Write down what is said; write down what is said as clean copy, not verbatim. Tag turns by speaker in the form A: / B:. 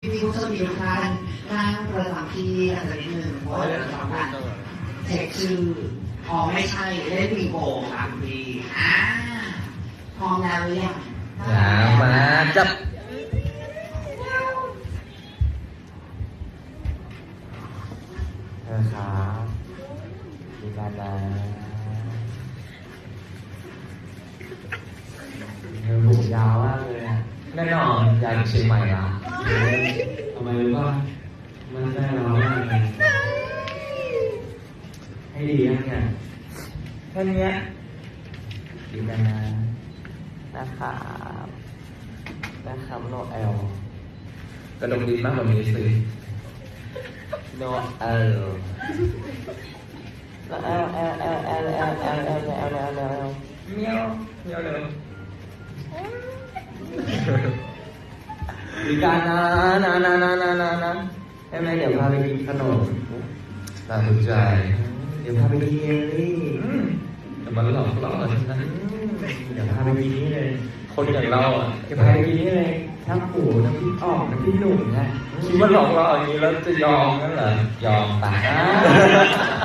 A: พี่ผู้โชคดีทุกท่านนั่งประจำที่กันสักนิดนึงเพราะว่าเดี๋ยวเราจะทำการเช็คชื่ออ๋อไม่ใช่เล่นบิงโกค่ะคุณพี่พร้อมแล้วหรือยัง
B: มาจับนะครับดีกันนะหูยาวมากเลยแน่นอนยาวจากเชียงใหม่ละ
C: ทำไมรู้ว่ามันได้เรามากเลยให้ดีนะเนี่ย
B: แค่นี้ดีกันนะนะครับโนเอลกระดกดีมากแบบนี้สิโนเอลแล้วเมียวเลยดีกันนะใช่ไหมเดี๋ยวพาไปกินขนมตามใจเดี๋ยวพาไปกินเยลลี่แต่มันหลอกล่อฉันนะเดี๋ยวพาไปกินนี่เลยคนอย่างเราอ่ะจะพาไปกินนี่เลยทั้งปูทั้งพี่อ้อมทั้งพี่หนุ่มนะคิดว่าหลอกล่ออย่างนี้แล้วจะยอมนั่นเหรอยอมตาย